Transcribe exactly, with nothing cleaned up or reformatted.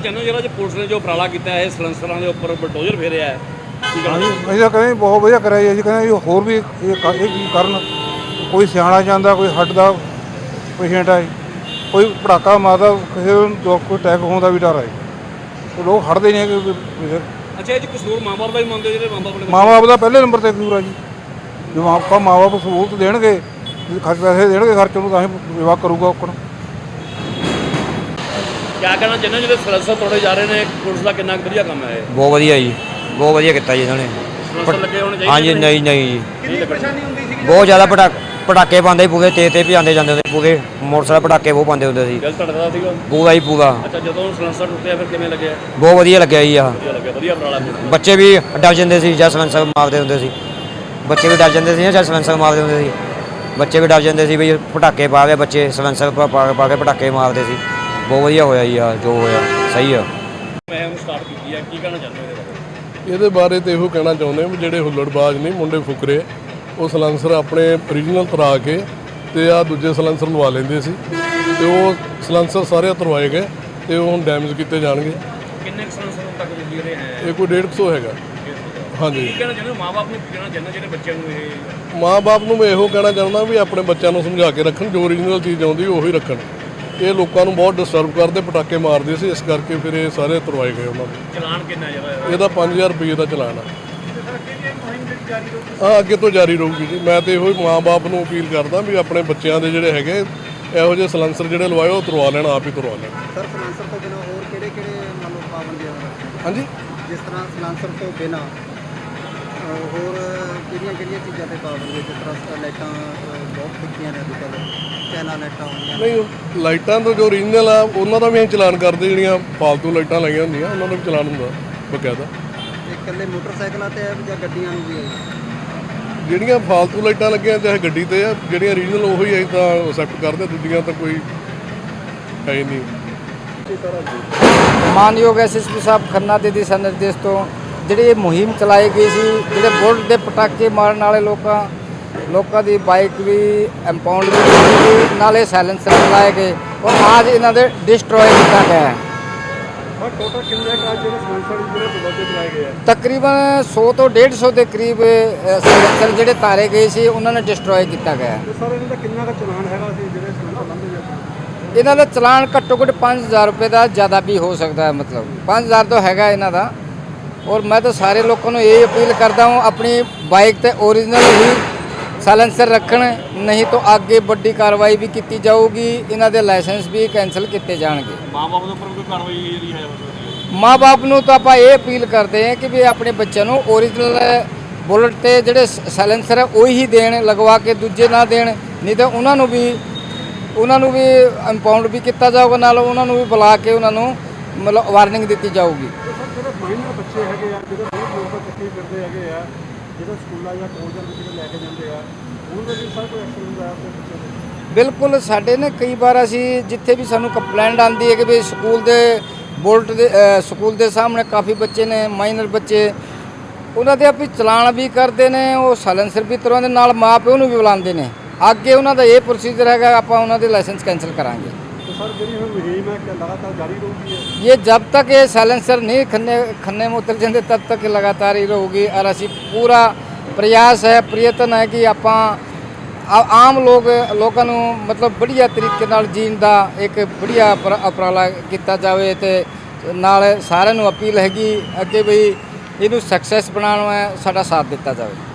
ਚਾਹੁੰਦੇ ਹੋ ਜਿਹੜਾ ਪੁਲਿਸ ਨੇ ਜੋ ਉਪਰਾਲਾ ਕੀਤਾ ਹੈ ਸਲੈਂਸਰਾਂ ਦੇ ਉੱਪਰ ਬਲਡੋਜ਼ਰ ਫੇਰਿਆ ਹੈ? ਹਾਂਜੀ ਅਸੀਂ ਤਾਂ ਕਹਿੰਦੇ ਬਹੁਤ ਵਧੀਆ ਕਰਿਆ ਜੀ। ਅਸੀਂ ਕਹਿੰਦੇ ਜੀ ਹੋਰ ਵੀ ਇਹ ਇਹ ਚੀਜ਼ ਕਰਨ। ਕੋਈ ਸਿਆਣਾ ਜਾਂਦਾ, ਕੋਈ ਹੱਡ ਦਾ ਪੇਸ਼ੈਂਟ ਹੈ, ਕੋਈ ਪਟਾਕਾ ਮਾਰਦਾ, ਕਿਸੇ ਨੂੰ ਕੋਈ ਅਟੈਕ ਹੋਣ ਦਾ ਵੀ ਡਰ ਹੈ। ਲੋਕ ਹਟਦੇ ਨਹੀਂ ਹੈਗੇ। ਅੱਛਾ, ਇਹ 'ਚ ਕਸੂਰ ਮਾਂ ਬਾਪ ਦਾ ਹੀ ਮੰਨਦੇ ਜਿਹੜੇ ਮਾਂ ਬਾਪ ਨੇ? ਮਾਂ ਬਾਪ ਦਾ ਪਹਿਲੇ ਨੰਬਰ 'ਤੇ ਕਸੂਰ ਆ ਜੀ। ਜੋ ਆਪਾਂ ਮਾਂ ਬਾਪ ਸਹੂਲਤ ਦੇਣਗੇ, ਖਰਚ ਪੈਸੇ ਦੇਣਗੇ ਖਰਚ ਨੂੰ, ਤਾਂ ਹੀ ਵਿਵਾਹ ਕਰੂਗਾ ਔਕਣ। ਕਿਆ ਕਹਿਣਾ ਚਾਹੁੰਦੇ ਜਿਹੜੇ ਸਲੈਂਸਰ ਤੋੜੇ ਜਾ ਰਹੇ ਨੇ, ਪੁਲਿਸ ਦਾ ਕਿੰਨਾ ਵਧੀਆ ਕੰਮ ਹੈ ਇਹ? ਬਹੁਤ ਵਧੀਆ ਜੀ, ਬਹੁਤ ਵਧੀਆ ਕੀਤਾ ਜੀ ਇਹਨਾਂ ਨੇ। ਸਲੈਂਸਰ ਲੱਗੇ ਹੋਣੇ ਚਾਹੀਦੇ? ਹਾਂਜੀ, ਨਹੀਂ ਨਹੀਂ ਜੀ, ਕਿੰਨੀ ਪਰੇਸ਼ਾਨੀ ਹੁੰਦੀ ਸੀ? ਬਹੁਤ ਜ਼ਿਆਦਾ ਪਟਾਕ ਪਟਾਕੇ ਪਾਉਂਦੇ ਪੂਰੇ ਤੇ ਤੇ ਭਜਾਉਂਦੇ ਜਾਂਦੇ ਹੁੰਦੇ ਪੂਰੇ ਮੋਟਰਸਾਈਕਲ ਪਟਾਕੇ ਬਹੁਤ ਪਾਉਂਦੇ ਹੁੰਦੇ ਸੀ। ਦਿਲ ਧੜਕਦਾ ਸੀਗਾ ਪੂਰਾ ਹੀ ਪੂਰਾ। ਅੱਛਾ, ਜਦੋਂ ਸਲੈਂਸਰ ਟੁੱਟਿਆ ਫਿਰ ਕਿਵੇਂ ਲੱਗਿਆ? ਬਹੁਤ ਵਧੀਆ ਲੱਗਿਆ ਜੀ। ਆ ਵਧੀਆ ਲੱਗਿਆ, ਵਧੀਆ ਉਪਰਾਲਾ। ਬੱਚੇ ਵੀ ਡਰ ਜਾਂਦੇ ਸੀ ਜਦ ਸਲੈਂਸਰ ਮਾਰਦੇ ਹੁੰਦੇ ਸੀ। ਬੱਚੇ ਵੀ ਡਰ ਜਾਂਦੇ ਸੀ ਨਾ ਜਦ ਸਲੈਂਸਰ ਮਾਰਦੇ ਹੁੰਦੇ ਸੀ। ਬੱਚੇ ਵੀ ਡਰ ਜਾਂਦੇ ਸੀ ਵੀ ਪਟਾਕੇ ਪਾ ਕੇ ਬੱਚੇ ਸਲੈਂਸਰ ਪਾ ਪਾ ਕੇ ਪਟਾਕੇ ਮਾਰਦੇ ਸੀ। ਬਹੁਤ ਵਧੀਆ ਹੋਇਆ ਜੀ। ਆ ਜੋ ਹੋਇਆ ਸਹੀ ਆ। ਮੈਂ ਉਹਨੂੰ ਸਟਾਰਟ ਕੀਤੀ ਹੈ, ਕੀ ਕਹਿਣਾ ਚਾਹੁੰਦੇ ਹੋ ਇਹਦੇ ਬਾਰੇ? ਇਹਦੇ ਬਾਰੇ ਤਾਂ ਇਹੋ ਕਹਿਣਾ ਚਾਹੁੰਦੇ ਹਾਂ ਵੀ ਜਿਹੜੇ ਹੁੱਲੜਬਾਜ਼ ਨੇ ਮੁੰਡੇ ਫੁਕਰੇ, ਉਹ ਸਲੈਂਸਰ ਆਪਣੇ ਓਰੀਜਨਲ ਤਰਾ ਕੇ ਤੇ ਆ ਦੂਜੇ ਸਲੈਂਸਰ ਲਵਾ ਲੈਂਦੇ ਸੀ, ਤੇ ਉਹ ਸਲੈਂਸਰ ਸਾਰੇ ਉਤਰਵਾਏ ਗਏ ਤੇ ਉਹ ਹੁਣ ਡੈਮੇਜ ਕੀਤੇ ਜਾਣਗੇ। ਕਿੰਨੇ ਸਲੈਂਸਰ ਤੱਕ ਲੱਗੇ ਰਹੇ ਹੈ? ਇਹ ਕੋਈ ਡੇਢ ਸੌ ਹੈਗਾ। ਹਾਂਜੀ। ਕੀ ਕਹਿਣਾ ਚਾਹੁੰਦੇ ਹੋ ਮਾਂ ਬਾਪ ਨੂੰ? ਕੀ ਕਹਿਣਾ ਚਾਹੁੰਦੇ ਜਿਹੜੇ ਬੱਚਿਆਂ ਨੂੰ ਇਹ? ਮਾਂ ਬਾਪ ਨੂੰ ਮੈਂ ਇਹੋ ਕਹਿਣਾ ਚਾਹੁੰਦਾ ਵੀ ਆਪਣੇ ਬੱਚਿਆਂ ਨੂੰ ਸਮਝਾ ਕੇ ਰੱਖਣ, ਜੋ ਓਰੀਜਨਲ ਚੀਜ਼ ਆਉਂਦੀ ਉਹੀ ਰੱਖਣ। ਇਹ ਲੋਕਾਂ ਨੂੰ ਬਹੁਤ ਡਿਸਟਰਬ ਕਰਦੇ, ਪਟਾਕੇ ਮਾਰਦੇ ਸੀ, ਇਸ ਕਰਕੇ ਫਿਰ ਇਹ ਸਾਰੇ ਉਤਰਵਾਏ ਗਏ ਉਹਨਾਂ ਦੇ। ਚਲਾਨ ਕਿੰਨਾ ਜਿਹੜਾ ਇਹਦਾ ਪੰਜ ਹਜ਼ਾਰ ਰੁਪਏ ਦਾ ਚਲਾਨ ਆ। ਹਾਂ, ਅੱਗੇ ਤੋਂ ਜਾਰੀ ਰਹੂਗੀ ਜੀ। ਮੈਂ ਤਾਂ ਇਹੋ ਹੀ ਮਾਂ ਬਾਪ ਨੂੰ ਅਪੀਲ ਕਰਦਾ ਵੀ ਆਪਣੇ ਬੱਚਿਆਂ ਦੇ ਜਿਹੜੇ ਹੈਗੇ ਇਹੋ ਜਿਹੇ ਸਲੈਂਸਰ ਜਿਹੜੇ ਲਵਾਏ ਉਹ ਤੁਰਵਾ ਲੈਣ, ਆਪ ਹੀ ਤੁਰਵਾ ਲੈਣ। ਸਰ, ਸਲੈਂਸਰ ਤੋਂ ਬਿਨਾਂ ਹੋਰ ਕਿਹੜੇ ਕਿਹੜੇ ਮਤਲਬ ਪਾਬੰਦੀਆਂ? ਹਾਂਜੀ, ਜਿਸ ਤਰ੍ਹਾਂ ਸਲੈਂਸਰ ਤੋਂ ਬਿਨਾਂ ਹੋਰ ਕਿਹੜੀਆਂ ਕਿਹੜੀਆਂ ਚੀਜ਼ਾਂ ਤੇ ਪਾਬੰਦੀ? ਜਿਸ ਤਰ੍ਹਾਂ ਲਾਈਟਾਂ ਬਹੁਤ ਫਿੱਕੀਆਂ ਨੇ ਅੱਜ ਕੱਲ੍ਹ, ਚੈਨਾ ਲਾਈਟਾਂ ਹੁੰਦੀਆਂ। ਨਹੀਂ, ਲਾਈਟਾਂ ਤੋਂ ਜੋ ਓਰੀਜਨਲ ਆ ਉਹਨਾਂ ਦਾ ਵੀ ਅਸੀਂ ਚਲਾਨ ਕਰਦੇ। ਜਿਹੜੀਆਂ ਫਾਲਤੂ ਲਾਈਟਾਂ ਲਾਈਆਂ ਹੁੰਦੀਆਂ ਉਹਨਾਂ ਦਾ ਵੀ ਚਲਾਨ ਹੁੰਦਾ ਬਕਾਇਦਾ। ਇਕੱਲੇ ਮੋਟਰਸਾਈਕਲਾਂ ਤੇ ਹੈ ਜਾਂ ਗੱਡੀਆਂ ਨੂੰ ਵੀ ਹੈ? ਜਿਹੜੀਆਂ ਫਾਲਤੂ ਲਾਈਟਾਂ ਲੱਗੀਆਂ ਚਾਹੇ ਗੱਡੀ ਤੇ ਆ, ਜਿਹੜੀਆਂ ਓਰੀਜਨਲ ਉਹੀ ਅਸੀਂ ਤਾਂ ਐਕਸੈਪਟ ਕਰਦੇ, ਦੂਜੀਆਂ ਤਾਂ ਕੋਈ ਹੈ ਹੀ ਨਹੀਂ। ਮਾਨਯੋਗ ਐਸ ਐਸ ਪੀ ਸਾਹਿਬ ਖੰਨਾ ਦੇ ਦਿਸ਼ਾ ਨਿਰਦੇਸ਼ ਤੋਂ ਜਿਹੜੀ ਇਹ ਮੁਹਿੰਮ ਚਲਾਈ ਗਈ ਸੀ, ਜਿਹੜੇ ਬੁਲਟ ਦੇ ਪਟਾਕੇ ਮਾਰਨ ਵਾਲੇ ਲੋਕਾਂ ਲੋਕਾਂ ਦੀ ਬਾਈਕ ਵੀ ਇੰਪਾਊਂਡ ਵੀ ਕੀਤੀ, ਨਾਲੇ ਸਾਇਲੈਂਸਰ ਚਲਾਏ ਗਏ ਔਰ ਅੱਜ ਇਹਨਾਂ ਦੇ ਡਿਸਟਰੋਏ ਕੀਤਾ ਗਿਆ ਹੈ। ਟੋਟਲ ਕਿੰਨੇ ਕਾਜ ਜਿਹੜੇ ਸਲੈਂਸਰ ਜਿਹੜੇ ਬੁਲਟ ਚਲਾਏ ਗਏ ਆ? ਤਕਰੀਬਨ ਸੌ ਤੋਂ ਡੇਢ ਸੌ ਦੇ ਕਰੀਬ ਸਾਇਲੈਂਸਰ ਜਿਹੜੇ ਤਾਰੇ ਗਏ ਸੀ ਉਹਨਾਂ ਨੇ ਡਿਸਟਰੋਏ ਕੀਤਾ ਗਿਆ। ਤੇ ਸਰ, ਇਹਨਾਂ ਦਾ ਕਿੰਨਾ ਕੁ ਚਲਾਨ ਹੈਗਾ ਸੀ ਜਿਹੜੇ ਸਲੈਂਸਰ ਲੰਘੇ ਜਾਂਦੇ? ਇਹਨਾਂ ਦਾ ਚਲਾਨ ਘੱਟੋ ਘੱਟ ਪੰਜ ਹਜ਼ਾਰ ਰੁਪਏ ਦਾ ਜ਼ਿਆਦਾ ਵੀ ਹੋ ਸਕਦਾ ਹੈ, ਮਤਲਬ ਪੰਜ ਹਜ਼ਾਰ ਤੋਂ ਹੈਗਾ ਇਹਨਾਂ ਦਾ। ਔਰ ਮੈਂ ਤਾਂ ਸਾਰੇ ਲੋਕਾਂ ਨੂੰ ਇਹ ਅਪੀਲ ਕਰਦਾ ਹਾਂ ਆਪਣੀ ਬਾਈਕ ਤੇ ਓਰੀਜਨਲ ਹੀ ਸਾਇਲੈਂਸਰ ਰੱਖਣ, ਨਹੀਂ ਤਾਂ ਅੱਗੇ ਵੱਡੀ ਕਾਰਵਾਈ ਵੀ ਕੀਤੀ ਜਾਊਗੀ। ਇਹਨਾਂ ਦੇ ਲਾਇਸੈਂਸ ਵੀ ਕੈਂਸਲ ਕੀਤੇ ਜਾਣਗੇ। ਮਾਂ ਬਾਪ ਦੇ ਉੱਪਰ ਕੋਈ ਕਾਰਵਾਈ ਜਿਹੜੀ ਹੈ? ਮਾਂ ਬਾਪ ਨੂੰ ਤਾਂ ਆਪਾਂ ਇਹ ਅਪੀਲ ਕਰਦੇ ਹਾਂ ਕਿ ਵੀ ਆਪਣੇ ਬੱਚਿਆਂ ਨੂੰ ਓਰੀਜਨਲ ਬੁਲਟ ਤੇ ਜਿਹੜੇ ਸਾਇਲੈਂਸਰ ਹੈ ਉਹੀ ਹੀ ਦੇਣ, ਲਗਵਾ ਕੇ ਦੂਜੇ ਨਾ ਦੇਣ। ਨਹੀਂ ਤਾਂ ਉਹਨਾਂ ਨੂੰ ਵੀ ਉਹਨਾਂ ਨੂੰ ਵੀ ਇੰਪਾਊਂਡ ਵੀ ਕੀਤਾ ਜਾਊਗਾ, ਨਾਲ ਉਹਨਾਂ ਨੂੰ ਵੀ ਬੁਲਾ ਕੇ ਉਹਨਾਂ ਨੂੰ ਮਤਲਬ ਵਾਰਨਿੰਗ ਦਿੱਤੀ ਜਾਊਗੀ। ਜਿਹੜੇ ਮਾਈਨਰ ਬੱਚੇ ਹੈਗੇ ਆ, ਜਿਹੜੇ ਬਹੁਤ ਲੋਕ ਇਕੱਠੇ ਫਿਰਦੇ ਹੈਗੇ ਆ, ਜਿਹੜੇ ਸਕੂਲਾਂ ਜਾਂ ਕਾਲਜਾਂ ਵਿੱਚ ਜਿਹੜੇ ਲੈ ਕੇ ਜਾਂਦੇ ਆ, ਉਹਨਾਂ ਦੇ ਵੀ ਸਰ ਕੋਈ ਐਕਸ਼ਨ ਹੁੰਦਾ ਆਪਣੇ ਬੱਚੇ ਦੇ? ਬਿਲਕੁਲ, ਸਾਡੇ ਨੇ ਕਈ ਵਾਰ ਅਸੀਂ ਜਿੱਥੇ ਵੀ ਸਾਨੂੰ ਕੰਪਲੇਂਟ ਆਉਂਦੀ ਹੈ ਕਿ ਵੀ ਸਕੂਲ ਦੇ ਬੁਲਟ ਦੇ ਸਕੂਲ ਦੇ ਸਾਹਮਣੇ ਕਾਫੀ ਬੱਚੇ ਨੇ, ਮਾਈਨਰ ਬੱਚੇ, ਉਹਨਾਂ ਦੇ ਆਪੀ ਚਲਾਨ ਵੀ ਕਰਦੇ ਨੇ, ਉਹ ਸਾਇਲੈਂਸਰ ਵੀ ਤੁਰਵਾਉਂਦੇ, ਨਾਲ ਮਾਂ ਪਿਓ ਨੂੰ ਵੀ ਬੁਲਾਉਂਦੇ ਨੇ। ਅੱਗੇ ਉਹਨਾਂ ਦਾ ਇਹ ਪ੍ਰੋਸੀਜਰ ਹੈਗਾ, ਆਪਾਂ ਉਹਨਾਂ ਦੇ ਲਾਇਸੈਂਸ ਕੈਂਸਲ ਕਰਾਂਗੇ। तो सर जी हम मुहिम है कि लगातार जारी रहेगी? ये जब तक ये साइलेंसर नहीं खन्ने खन्ने में उतर जाते तब तक लगातार ही रहेगी। और असी पूरा प्रयास है, प्रयत्न है कि ਆਪਾਂ ਆਮ ਲੋਕ ਲੋਕਾਂ ਨੂੰ ਮਤਲਬ ਵਧੀਆ ਤਰੀਕੇ ਨਾਲ ਜੀਣ ਦਾ ਇੱਕ ਵਧੀਆ ਉਪਰਾਲਾ ਕੀਤਾ ਜਾਵੇ ਤੇ ਨਾਲ ਸਾਰਿਆਂ ਨੂੰ ਅਪੀਲ ਹੈਗੀ ਅੱਗੇ ਵੀ ਇਹਨੂੰ ਸਕਸੈਸ ਬਣਾਉਣਾ ਹੈ, ਸਾਡਾ ਸਾਥ ਦਿੱਤਾ ਜਾਵੇ।